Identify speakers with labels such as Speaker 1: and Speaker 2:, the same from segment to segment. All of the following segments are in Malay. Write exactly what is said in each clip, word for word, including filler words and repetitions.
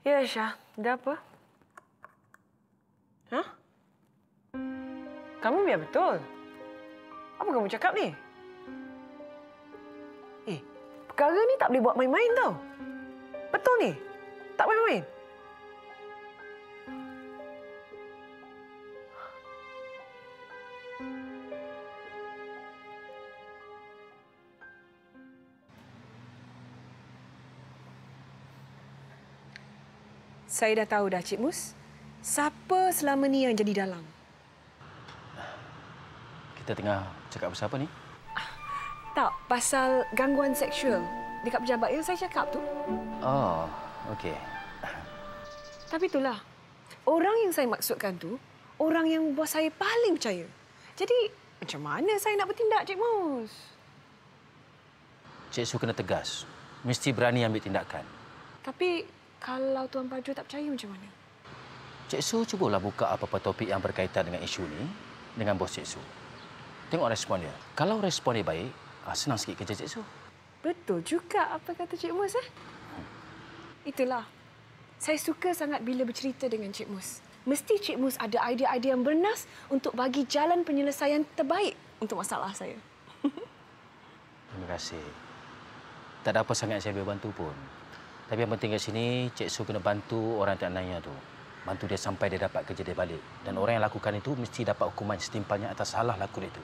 Speaker 1: Ya, Aisyah. Ada apa? Hah? Kamu biar betul. Apa kamu cakap ni? Eh, perkara ni tak boleh buat main-main tau. Betul ni? Tak main-main? Saya dah tahu dah, Cik Mus. Siapa selama ni yang jadi dalang?
Speaker 2: Kita tengah cakap pasal apa ni?
Speaker 1: Tak, pasal gangguan seksual dekat pejabat yang saya cakap tu.
Speaker 2: Oh, okey.
Speaker 1: Tapi itulah, orang yang saya maksudkan tu, orang yang bos saya paling percaya. Jadi, macam mana saya nak bertindak, Cik Mus?
Speaker 2: Cik Su kena tegas. Mesti berani ambil tindakan.
Speaker 1: Tapi, kalau Tuan Paju tak percaya macam mana?
Speaker 2: Cik Su cubalah buka apa-apa topik yang berkaitan dengan isu ni dengan bos Cik Su. Tengok respon dia. Kalau respon dia baik, senang sikit kerja Cik Su.
Speaker 1: Betul juga apa kata Cik Mus, eh? Itulah. Saya suka sangat bila bercerita dengan Cik Mus. Mesti Cik Mus ada idea-idea yang bernas untuk bagi jalan penyelesaian terbaik untuk masalah saya.
Speaker 2: Terima kasih. Tak ada apa sangat saya boleh bantu pun. Tapi yang penting kat sini, Cik Su kena bantu orang tak nanya tu. Bantu dia sampai dia dapat kerja dia balik. Dan orang yang lakukan itu mesti dapat hukuman setimpalnya atas salah laku dia itu.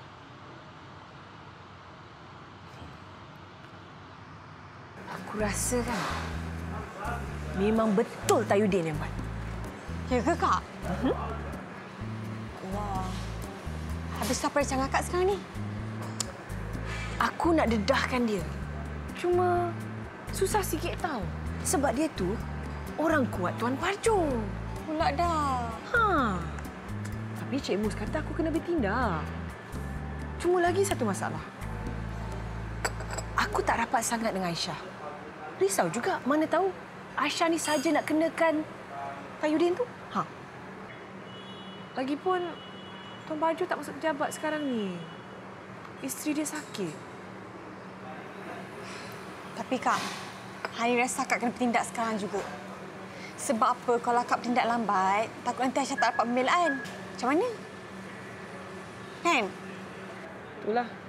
Speaker 1: Aku rasa kan, memang betul Tayudin yang buat.
Speaker 3: Ya ke, Kak? Uh-huh. Wah. Habis apa rencana Kak sekarang ni?
Speaker 1: Aku nak dedahkan dia. Cuma susah sikit tau. Sebab dia tu orang kuat Tuan Parjo.
Speaker 3: Pula dah.
Speaker 1: Ha. Tapi Cik Mus kata aku kena bertindak. Cuma lagi satu masalah. Aku tak rapat sangat dengan Aisyah. Risau juga, mana tahu Aisyah ni saja nak kenakan Tayudin tu. Ha. Lagipun Tuan Parjo tak masuk pejabat sekarang ni. Isteri dia sakit.
Speaker 3: Tapi Kak, Hani rasa Kak kena bertindak sekarang juga. Sebab apa kalau Kak bertindak lambat, takut nanti Aisyah tak dapat pembelaan. Macam mana? Kan?
Speaker 1: Itulah.